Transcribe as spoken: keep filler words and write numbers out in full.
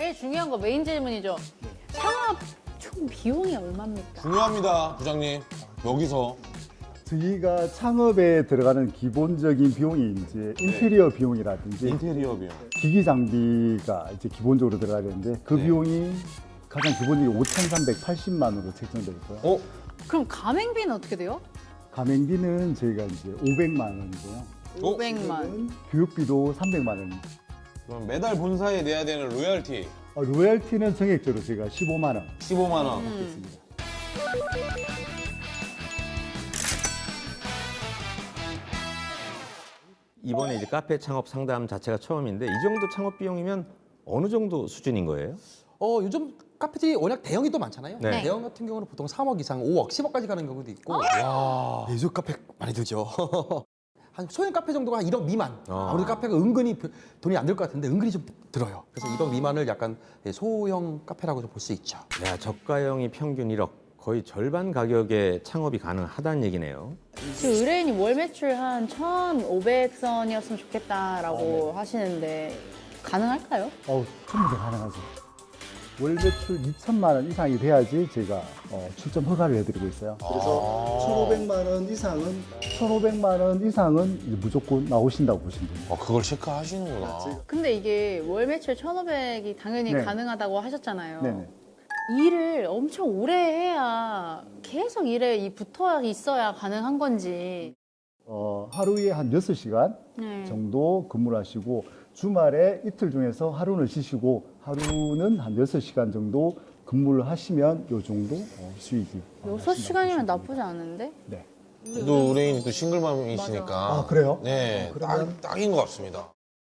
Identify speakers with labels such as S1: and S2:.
S1: 제일 중요한 거 메인 질문이죠. 창업 총 비용이 얼마입니까?
S2: 중요합니다, 부장님. 여기서.
S3: 저희가 창업에 들어가는 기본적인 비용이 이제 인테리어 비용이라든지
S2: 인테리어 비용.
S3: 기기 장비가 이제 기본적으로 들어가야 되는데 그
S2: 네.
S3: 비용이 가장 기본적인 오천삼백팔십만 원으로 책정되어 있고요.
S2: 어?
S1: 그럼 가맹비는 어떻게 돼요?
S3: 가맹비는 저희가 이제 오백만 원이고요.
S2: 어?
S1: 오백만.
S3: 교육비도 삼백만 원입니다.
S2: 그럼 매달 본사에 내야 되는 로열티
S3: 어, 로열티는 정액적으로 저희가 십오만 원
S2: 십오만 원.
S3: 받겠습니다.
S4: 이번에 이제 카페 창업 상담 자체가 처음인데 이 정도 창업 비용이면 어느 정도 수준인 거예요?
S5: 어, 요즘 카페들이 워낙 대형이 또 많잖아요.
S4: 네.
S5: 대형 같은 경우는 보통 삼억 이상, 오억, 십억까지 가는 경우도 있고. 와, 네, 요즘 카페 많이 들죠. 한 소형 카페 정도가 한 일억 미만.
S4: 어.
S5: 아무래도 카페가 은근히 별- 돈이 안 들 것 같은데 은근히 좀 들어요. 그래서 일억 미만을 약간 예, 소형 카페라고 좀 볼 수 있죠.
S4: 야, 저가형이 평균 일억, 거의 절반 가격에 창업이 가능하다는 얘기네요.
S1: 지금 의뢰인이 월 매출 한 천오백 선이었으면 좋겠다라고 하시는데 가능할까요?
S3: 어우, 충분히 가능하죠. 월 매출 이천만 원 이상이 돼야지 저희가 어, 출점 허가를 해드리고 있어요. 그래서 천오백만 원 이상은 천오백만 원 이상은 이제 무조건 나오신다고 보시면 됩니다.
S2: 어, 그걸 체크하시는구나.
S1: 근데 이게 월 매출 천오백이 당연히
S3: 네.
S1: 가능하다고 하셨잖아요.
S3: 네네.
S1: 일을 엄청 오래 해야 계속 일에 이 붙어 있어야 가능한 건지.
S3: 어, 하루에 한 여섯 시간
S1: 네.
S3: 정도 근무를 하시고 주말에 이틀 중에서 하루는 쉬시고 하루는 한 여섯 시간 정도 근무를 하시면 요 정도 어, 수익이 어,
S1: 여섯 시간이면
S3: 나신다고 보시면
S1: 나쁘지 않은데?
S3: 됩니다. 네.
S2: 또 의뢰인이 또 싱글맘이시니까.
S3: 아, 그래요?
S2: 네,
S3: 어, 그러면-
S2: 딱, 딱인 것 같습니다.